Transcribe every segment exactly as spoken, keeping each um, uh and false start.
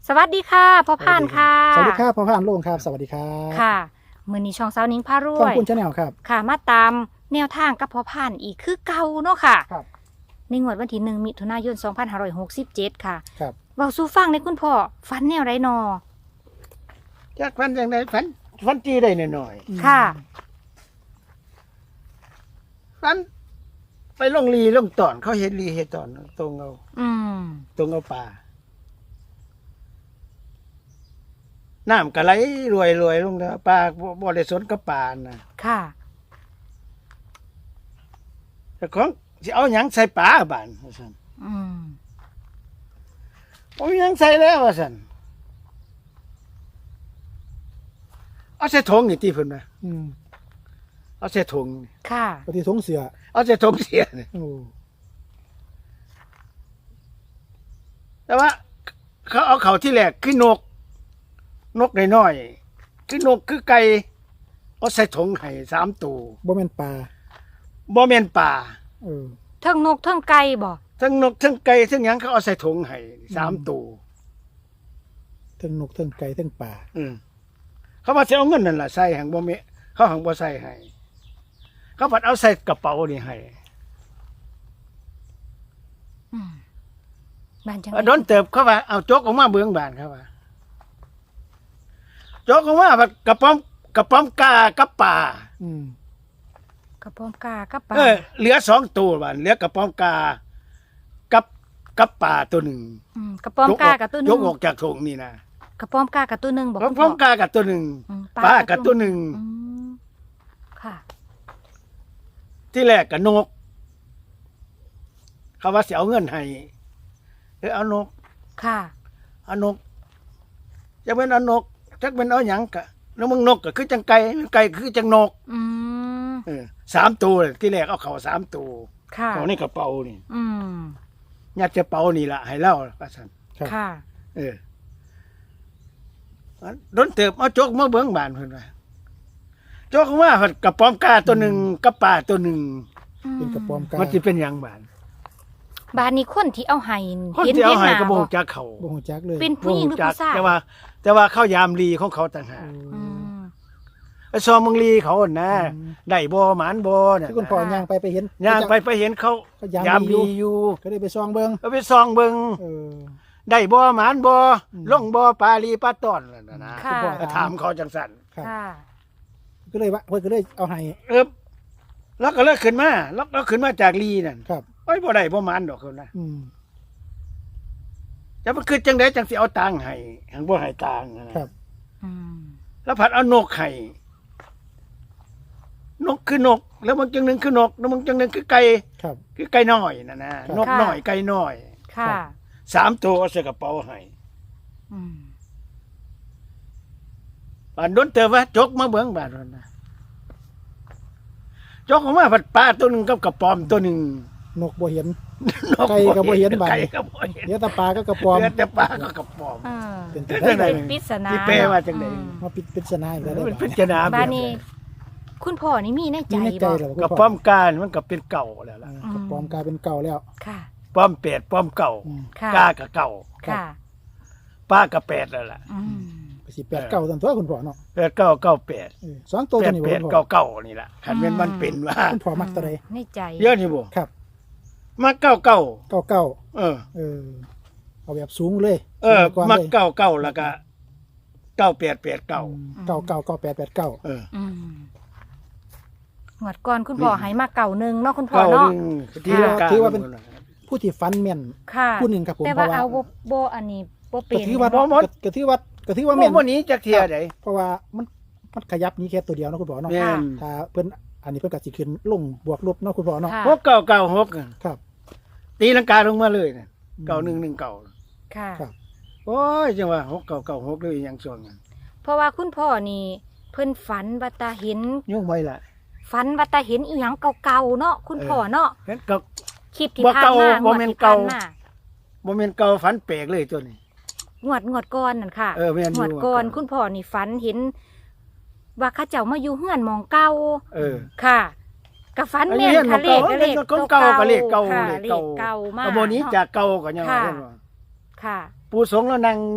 สวัสดีค่ะพ่อพานค่ะสวัสดีครับพ่อพานโล่งครับสวัสดีครับค่ะมือนี้ช่องสาวนิ้งพารวยขอบคุณชาแนลครับค่ะมาตามแนวทางกับพ่อพานอีกคือเก่าเนาะค่ะครับในงวดวันที่หนึ่งมิถุนายนสองพันห้าร้อยหกสิบเจ็ดค่ะครับเว้าสู่ฟังในคุณพ่อฝันแนวไรนอจากฟันอย่างไรฟันฟันจีได้หน่อยค่ะๆฟันไปลงลีลงตอนเขาเห็นลีเห็นตอนตรงเอาอืมตรงเอาป่าน้ำกะไหลรวยรวยลงแล้วปลาบ่ได้สนกับป่านะค่ะแต่ของสิเอาหยังใส่ป่าบ้านว่าซั่นอืมเอาหยังใส่แล้วว่าซั่นเอาใส่ถุงนี่ติเพิ่นว่าอืมเอาใส่ถุงค่ะปฏิทงเสือเอาใส่ถุงเสียนี่โอ้แต่ว่า เขาเอาเขาที่แรกคือนก นกน้อยๆคือนกคือไก่เอาใส่ถุงให้สามตัวบ่แม่นปลาบ่แม่นป่าเออเทิงนกเทิงไก่บ่ทั้งนกทั้งไก่ทั้งหยังเขาเอาใส่ถุงให้สามตัวเทั้งนกเทั้งไก่เทั้งปลาอืมเขาว่าสิเอาเงินนั่นล่ะใส่หังบ่แม่เขาหังบ่ใส่ให้เขาพัดเอาใส่กระเป๋านี่ให้อืมบ้านจังโดนเติบเขาว่าเอาโจกออกมาเบื้องบานเขาว่าโจกออกมาพัดกระป๋อมกระป๋อมกากับป่าอืมกระป้อมกากับปลาเออเหลือสองตัวบานเหลือกระป๋อมกากับกับป่าตัวหนึ่งอืมกระป้อมกากับตัวหนึยงกออกจากถุงนี่นะกระป้อมกากับตัวหนึงบอกกระคุณป๋พ่ออมกากับตัวหนึ่งอืมป่ากับตัวหนึ่งอืมค่ะที่แรกกับนก เขาว่าสิเอาเงินให้เออเอานกค่ะเอานกจะเป็นเอานกจักเป็นเอาหยังกะแล้วมึงนกก็คือจังไก่ไก่คือจังนกอืมเออสามตัวเลยที่แรกเอาเขาสามตัวค่ะเขาในกระเป๋านี่อืมยัดกระเป๋านี่ละให้เล่าว่าซั่นครับค่ะเอออันโดนเติบเอาโจกมาเบิ้งบานเพิ่นว่าโจกมาเพิ่นกระป๋อมกาตัวหนึ่งกับป่าตัวหนึ่งเป็นกระป๋อมกามันสิเป็นหยังบานบานนี้คนที่เอาให้คนที่เอาให้หน้ก็บ่บ่ฮู้จักเขาบ่ฮู้จักเลยเป็นผู้หญิงหรือจัผู้ชายแต่ว่า แต่ว่าเข้ายามลีของเขาต่างหากอืมไอ้ซอมมึงลีเขาหั่นนะได้บ่หมานบ่น่ะที่คุณพ่อย่างไปไปเห็นย่างไปไปเห็นเขาเขายามยามลีลีออยู่ ยู่ก็ได้ไปซองเบิ่งก็ไปซองเบิ่งเออได้บ่หมานบ่อืมลงบ่ปลาลีปลาตอนนั่นน่ะนะค่ะก็ถามเขาจังซั่นครับค่ะก็เลยว่าเพิ่นก็เลยเอาให้เออแล้วก็เลิกขึ้นมาแล้วแล้วขึ้นมาจากลีนั่นครับโอ้ยบ่ได้บ่หมานดอกคนนะอืมจะมันคือจังได๋จังสิเอาตังค์ให้หังบ่ให้ตังค์นะครับอืมแล้วผัดเอานกให้นกคือนก แล้วมันจังหนึงคือนก แล้วมันจังหนึงคือไก่ครับคือไก่น้อยนั่นนะครับ นกน้อยไก่น้อยค่ะสามตัวเอาใส่กระเป๋าให้อืมบานโดนเตอว่าจกมาเบิ่งบาดนั้นนะจกออกมาผัดปลาตัวหนึงกับกระป๋อมตัวหนึงนกบ่เห็นนไก่ก็บ่เห็นบาดไก่ก็บ่เห็นเดี๋ยวแตาปลาก็กระป๋อมเหลือแต่ปลาก็กระป๋อมเออเป็นจัจังงใดได๋เป็นปริศนาที่แปลว่าจังใดอืมมาปิดปริศนาอีกแล้วได้มันบ่เป็นจนาบ้านนี้ คุณพ่อนี่มีในใจมีในใจบ่แล้วกระป๋อมการมันก็เป็นเก่าแล้วล่ะกระป๋อมกลายเป็นเก่าแล้วค่ะป้อมเป็ดป้อมเก่าอืมค่ะกากับเก่าค่ะป้ากับเป็ดแล้วล่ะอืมก็สิแปดเก่าตันตัวคุณพ่อเนาะเป็ดเก่าเก่าเป็ดเออสองตัวเป็ตัวดนี้บ่เป็ดคุณพ่เก่าอเก่านี่ล่ะคันเป็นมันเป็นว่าคุณพ่อมักตัวใดในใจเยอะนี่บ่ครับมาเก่าเก่าเก่าเก่าเออเออเอาแบบสูงเลยเออสูงกว่ามาเลยเก่าเก่าแล้วก็เก่าเป็ดเป็ดเก่าอืมเก่าเก่าเก่าแปดแปดเก้าเอออืมหวดก่อนคุณพ่อนี่ให้มาเก่าหนึงเนาะคุณพ่อเก่าเนาะหนึงที่ละกาถือว่าเป็น ผู้ที่ฟันแม่นค่ะผู้หนึ่งครับผมแต่เพว่าราะว่าเอาบ่บ่อันนี้บ่เป็ก็นถือว่าบ่หมดก็ถือว่าก็ถือว่าบ่แม่นบ่หนี้จักเที่ยใดเพราะว่ามันมันขยับนี้แค่ตัวเดียวเนาะคุณพ่อเนาะแม่นถ้าเพิ่นอันนี้เพิ่นก็สิขึ้นลงบวกลบเนาะคุณพ่อเนาะค่ะหกเก่าเก่าหกอะครับตีลังกาลงมาเลยน่ะเก่าหนึ่งหนึ่งเก่าค่ะครับโอ้ยจังว่าหกเก่าเก่าหกเลยยังส่วนกันเพราะว่าคุณพ่อนี่เพิ่นฝันว่าตาเห็นยุ่งไว้ล่ะฝันว่าตาเห็นอีหยังเก่าๆเนาะคุณพ่อเนาะเห็นเก่าคลิปที่บ่ผ่านเก่ามาบ่งวดแม่นที่เก่าผ่านมาบ่แม่นเก่าฝันแปลกเลยตัวนี้งวดงวดก่อนนั่นค่ะเออแม่นอยู่งวดก่อนงวดก่อนคุณพ่อนี่ฝันเห็น ว่าเข้าเจ้ามาอยู่เฮือนหมองเก่าเออค่ะกับฝันแม่นอันนี้ค่ะเห็นหม้องเลขเก่าก็เลขเก่าก็เลขเก่าค่ะเลขเก่าเลขเก่ามากเอาบ่หนี้จากเก่าก็ยังว่าค่ะเพิ่นว่าค่ะปู่สงฆ์แล้วนั่ง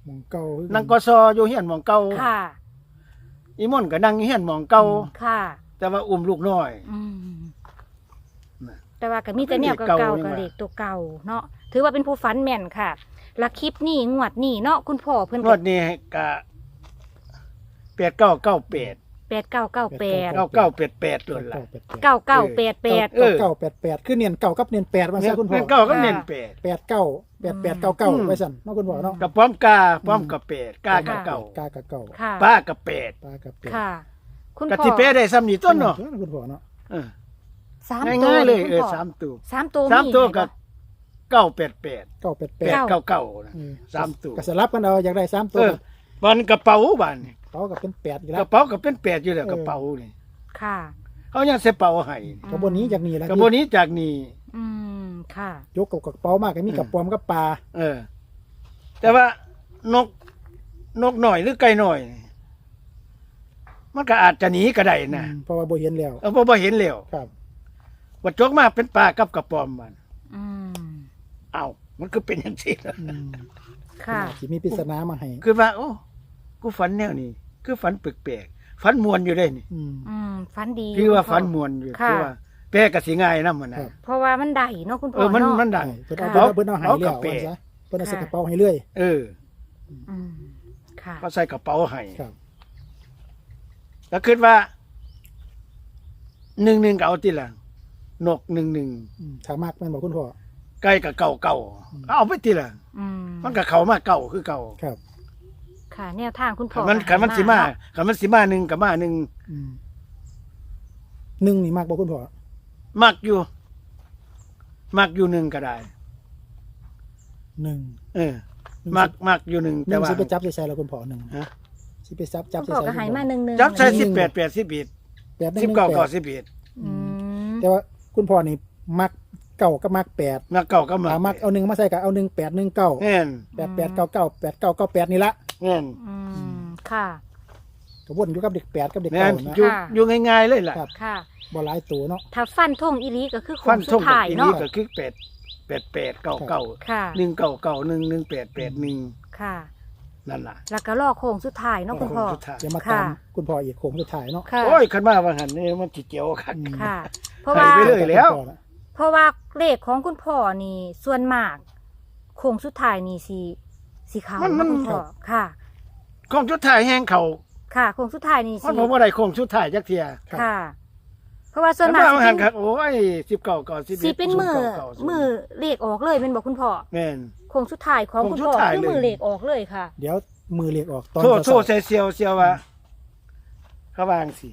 หมองเก่าคือกันั่งกสอยู่เฮียนหมองเก่าค่ะอีม่อนก็นั่งอยู่เฮียนหมองเก่าค่ะแต่ว่าอุ้มลูกน้อยอืมน่ะแต่ว่าก็มีแต่แนวเลขเก่าเก่ายังๆกับว่าเลขตัวเก่าเนาะถือว่าเป็นผู้ฝันแม่นค่ะและคลิปนี้งวดนี้เนาะคุณพ่อเพิ่นงก็วดนี้ก็แปดเก้าเก้าแปดแปดเก้าเก้าแปดเก้าเก้าแปดแปดเลยล่ะเก้าแปดแปดเก้าเก้าแปดแปดเออเก้าแปดแปดคือเนียนเก่ากับเนียนแปดว่าซะคุณพ่อเน้นเก้าก็เน้นแปดแปดเก้าแปดแปดเก้าเก้าอืมไว้สั่นเนาะคุณพ่อเนาะกับป้อมกาป้อมกับแปดกากับเก่ากากับเก่าค่ะป้ากับแปดปลากับแปดค่ะ คุณกับพ่อที่แปดได้ซ้ำนี่ต้นเนาะคุณพ่อเนาะเออสามตัวง่ายๆเลยคุณเออพ่สามตัวสามตัวสามตัวให้กับบ่เก้าแปดแปดเก้าแปดแปแปดดเก้าเก้านะอืมสามตัวก็สลับกันเอาอยากได้สามตัวเออบันกระเป๋าบันนี่เขากับเป็นแปดอีกกแล้วระเป๋าก็เป็นแปดอยู่แล้วเออกระเป๋านี่ค่ะเขายังใส่เป๋าให้กระบวนนี้จากนี้แล้วกระบวนนี้จากนี่อืมค่ะยกกับกระเป๋ามากก็มีกับปอมกับปลาเออ แต่ว่านกนกหน่อยหรือไก่หน่อย มันก็อาจจะหนีก็ได้นะอืมเพราะว่าบ่เห็นแล้วเออเพราะว่าเห็นแล้วครับว่าจกมาเป็นปลากับกระปอมมันอืมเอ้ามันก็เป็นอย่างนี้ล่ะอืมค่ะสิมีปริศนามาให้คือว่า โอ้กูฝันแนวนี้คือฝันแปลกๆฝันมวนอยู่ได้นี่อืมอืมฝันดีคือว่าคุณพ่อฝันมวนอยู่ค่ะคือว่าแปลก็สิง่ายนำมันนะครับเพราะว่ามันได้เนาะคุณพ่เอออมันเนาะมันดังเพิ่นเอาเพิ่นเอาเพิ่นเอาให้เอาแล้กระวเป๋ว่าซะเพิ่นเอาใส่กระเป๋าให้เรื่อยเอออืมค่ะก็ใส่กระเป๋าให้ครับแล้วคิดว่าหนึ่งหนึ่งก็เอาติละนกหนึ่งหนึ่งอืมถ้ามากแม่นบอกคุณพ่อไก่กับเก่าเก่าก็เอาไปติละอืมมันก็เข้ามาเก่าคือเก่าครับค่ะ แนวทางคุณพ่ขัอนมันขันมันสิมาขันมันสิมาหนึ่งกับมาหนึ่งอืมหนึ่งนี่มากบอกคุณพ่อมักอยู่ มักอยู่หนึ่งก็ได้หนึ่งเออ มักมักอยู่หนึ่งหแต่นึ่งว่าสิไปจับใส่ใส่แล้วคุณพ่อหนึ่งฮะสิไปจับจับคุณใส่พ่อใส่ก็ใหายมาหนึ่งหนึ่งจับใส่สิบแปดแปดสิบเอ็ดแปดหนึ่งสิบหนึ่งเก้าแปเก้าดสิบเอ็ดอืมแต่ว่าคุณพ่อนี่มักเก่ากับมักแปดมักเก่าก็มักถ้ามักเอาหนึ่งมาใส่กับเอาหนึ่งแปดหนึ่งเก้าแน่นแปดแปดเก้าเก้าแปดเก้าเก้าแปดนี่ละแน่นอืมค่ะกระวนอยู่กับเด็กแปดกับเด็กแน่เก้าน นะอยู่ค่ะอยู่ง่ายๆเลยล่ะครับค่ะบ่หลายตัวเนาะถ้าฟันทงอีหลีก็คือโค้ฟังนสุท่ดงท้ายอีเนาะนี้ก็คือแปดแปดแปดเก้าเก้าค่ะหนึ่งเก้าเก้าหนึ่งหนึ่งแปดแปดหนึ่งค่ะนั่นล่ะแล้วก็ล่อโค้งสุดท้ายเนาะคุณพ่อสุดท้ายเดี๋ยวมาค่ะตามคุณพ่ออีกโค้งสุดท้ายเนาะค่ะโอ้ยขันมาว่าหันนี่มันจิเจียวคักอืมค่ะ เพราะว่าไปเลย แล้วเพราะว่าเลขของคุณพ่อนี่ส่วนมากโค้งสุดท้ายนี่สีสีขาวมันมันคุณพ่อค่ะของชุดถ่ายแห้งเขาค่ะโค้งสุดท้ายนี่มันสีผมว่าได้ของชุดถ่ายจักเทียค่ะ เพราะว่าส่วนแล้วมากมาสิหัเป็น นครับโอ้ยสิบเก้าเก้าสิบสีเป็นมือมือเลขออกเลยเป็นบอกคุณพ่อแม่นโค้งสุดท้ายของโค้งคุณสุดพ่อท้ายคือเลยมือเลขออกเลยค่ะเดี๋ยวมือเรียกออกตอนโทษเช้าโทษใส่เซียวเซียวว่าเขาวางสิ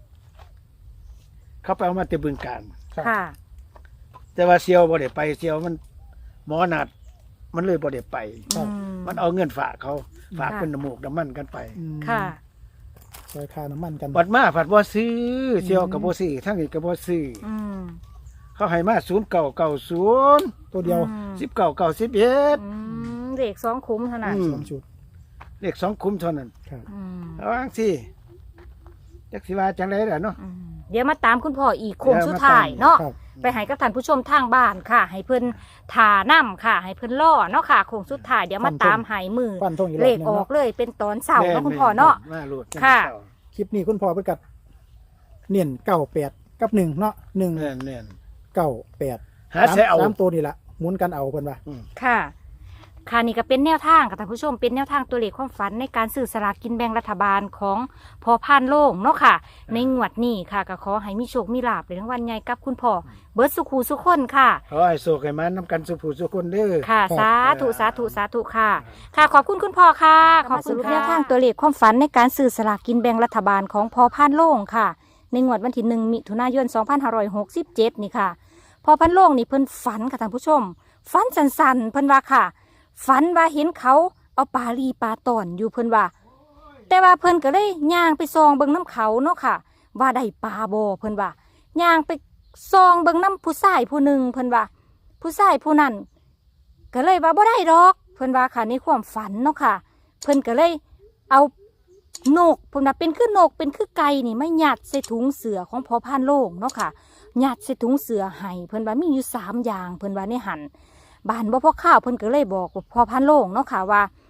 เขาไปเอามาแติบึงการครับค่ะแต่ว่าเซียวบ่ได้ไปเซียวมันหมอนัด มันเลยบ่ได้ไปอืมมันเอาเงินฝากเขาฝากค่ะเป็นน้ำมูกน้ำมันกันไปอืมค่ะซอยค่าน้ำมันกันบัดมาผัดบ่ซื้อเซียวกับบ่ซื้อทั้งนี้ก็บ่ซื้ออืมเขาให้มาศูนย์เก้าเก้าศูนย์ตัวเดียวอืมสิบเก้าเก้าสิบเอ็ดอืมเลขสองคุ้มเท่านั้นอืมสองชุดเลขสองคุ้มเท่านั้นครับอืมเอาจังสิจักสิว่าจังไดล่ะเนาะอืมเดี๋ยวมาตามคุณพ่ออีกโค้งสุดท้ายเนาะครับไปให้กับท่านผู้ชมทางบ้านค่ะ ให้เพิ่นทาน้ำค่ะ ให้เพิ่นล่อเนาะค่ะโค้งสุดท้ายเดี๋ยวมาตามใหายมือฟันทงอีกรเลอบขหนึงออกเนาะเลยเป็นตอนเสาร์แม่เนาะคุณพ่อเนาะมาโลดค่ะคลิปนี้คุณพ่อเพิ่นกัดเน้นเก้าแปดกับหนึ่งเนาะหนึ่งแน่นแน่นเก้าแปดหาใช้เอาสามตัวนี่ละหมุนกันเอาเพิ่นว่าค่ะ ค่ะนี่ก็เป็นแนวทางค่ะท่านผู้ชมเป็นแนวทางตัวเลขความฝันในการซื้อสลากกินแบ่งรัฐบาลของพอพานโล่งเนาะค่ะ ในงวดนี้ค่ะก็ขอให้มีโชคมีลาภในทั้งวันใหญ่กับคุณพ่อเบิร์ดสุขูสุขคนค่ะขอให้โศกให้มันนำกันสุผู้สุคนเด้อค่ะ สาธุสาธุสาธุค่ะ ค่ะ ขอบคุณคุณพ่อค่ะ ขอบคุณค่ะแนวทางตัวเลขความฝันในการซื้อสลากกินแบ่งรัฐบาลของพอพานโล่งค่ะ ในงวดวันที่หนึ่งมิถุนายนสองพันห้าร้อยหกสิบเจ็ดนี่ค่ะ พอพันโล่งนี่เพิ่นฝันค่ะท่านผู้ชม ฝันสันๆเพิ่นว่าค่ะ ฝันว่าเห็นเขาเอาปลาลีปลาตอนอยู่เพิ่นว่า แต่ว่าเพิ่นก็เลยย่างไปซองเบิ่งน้ำเขาเนาะค่ะ ว่าได้ปลาบ่เพิ่นว่าย่างไปซองเบิ่งน้ำผู้ชายผู้หนึ่งเพิ่นว่า ผู้ชายผู้นั้นก็เลยว่าบ่ได้ดอก เพิ่นว่าค่ะในความฝันเนาะค่ะ เพิ่นก็เลยเอานกเพิ่นว่าเป็นคือนกเป็นคือไก่นี่ไม่ยัดใส่ถุงเสือของพอพานโล่งเนาะค่ะยัดใส่ถุงเสือให้เพิ่นว่ามีอยู่สามอย่างเพิ่นว่าในหันบ้านบ่พอข้าวเพิ่นก็เลยบอกว่าพอพานโล่งเนาะค่ะว่า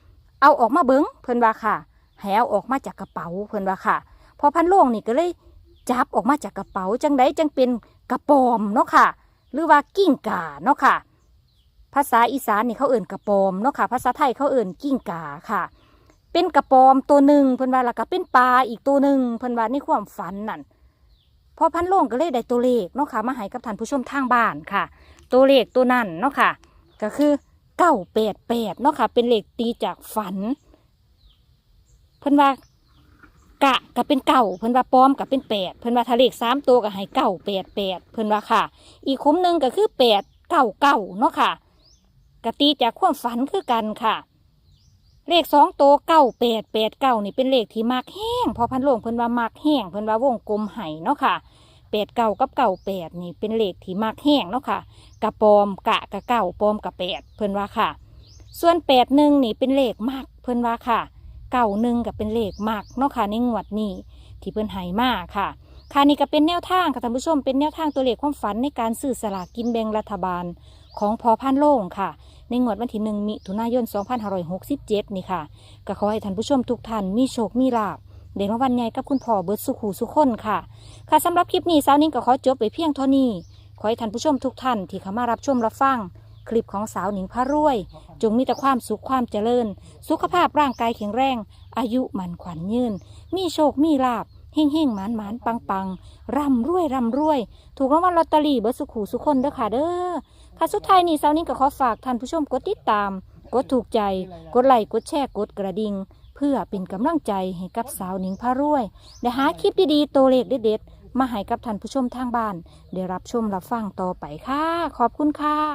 เอาออกมาเบิ้งเพิ่นว่าค่ะให้เอาออกมาจากกระเป๋าเพิ่นว่าค่ะพอพันโรงนี่ก็เลยจับออกมาจากกระเป๋าจังไดจังเป็นกระปอมเนาะค่ะหรือว่ากิ้งก่าเนาะค่ะภาษาอีสานนี่เขาเอิ่นกระปอมเนาะค่ะภาษาไทยเขาเอิ่นกิ้งก่าค่ะเป็นกระปอมตัวหนึ่งเพิ่นว่าแล้วก็เป็นปลาอีกตัวหนึ่งเพิ่นว่าในความฝันนั่นพอพันโรงก็เลยได้ตัวเลขเนาะค่ะมาให้กับท่านผู้ชมทางบ้านค่ะตัวเลขตัวนั้นเนาะค่ะก็คือเก้าแปดแปดเนาะค่ะเป็นเลขตีจากฝันเพิ่นว่ากะก็เป็นเก้าเพิ่นว่าปอมก็เป็นแปดเพิ่นว่าถ้าเลขสามตัวก็ให้เก้าแปดแปดเพิ่นว่าค่ะอีกคุ้มหนึ่งก็คือแปดเก้าเก้าเนาะค่ะกะตีจากความฝันคือกันค่ะเลขสองตัวเก้าแปดแปดเก้านี่เป็นเลขที่มักแห้งพอพันโรงเพิ่นว่ามักแห้งเพิ่นว่าวงกลมไห้เนาะค่ะแปดเก้ากับเก้าแปดนี่เป็นเลขที่มักแห้งเนาะค่ะกะปอมกะกะเก้าปอมกะแปดเพิ่นว่าค่ะส่วนแปดหนึ่งนี่เป็นเลขมักเพิ่นว่าค่ะเก้าหนึ่งก็เป็นเลขมักเนาะค่ะในงวดนี้ที่เพิ่นให้มาค่ะค่ะนี่ก็เป็นแนวทางค่ะท่านผู้ชมเป็นแนวทางตัวเลขความฝันในการซื้อสลากกินแบ่งรัฐบาลของพอพันโรงค่ะในงวดวันที่หนึ่งมิถุนายนสองพันห้าร้อยหกสิบเจ็ดนี่ค่ะก็ขอให้ท่านผู้ชมทุกท่านมีโชคมีลาภเดี๋ยววันใหญ่กับคุณพ่อเบิดสุขหูสุขคนค่ะค่ะสำหรับคลิปนี้สาวนิ้งก็ขอจบไปเพียงเท่านี้ขอให้ท่านผู้ชมทุกท่านที่เข้ามารับชมรับฟังคลิปของสาวหนิงพระรวยจงมีแต่ความสุขความเจริญสุขภาพร่างกายแข็งแรงอายุมันขวัญยืนมีโชคมีลาภเฮ่งเฮ่งหมานหมานปังปังร่ำรวยร่ำรวยถูกรางวัลลอตเตอรี่เบิดสุขหูสุขคนเด้อค่ะเด้อค่ะสุดท้ายนี้สาวนิ้งก็ขอฝากท่านผู้ชมกดติดตามกดถูกใจกดไลค์กดแชร์กดกระดิ่งเพื่อเป็นกำลังใจให้กับสาวหนิงพระรวยได้หาคลิปดีๆตัวเลขเด็ดๆมาให้กับท่านผู้ชมทางบ้านได้รับชมรับฟังต่อไปค่ะขอบคุณค่ะ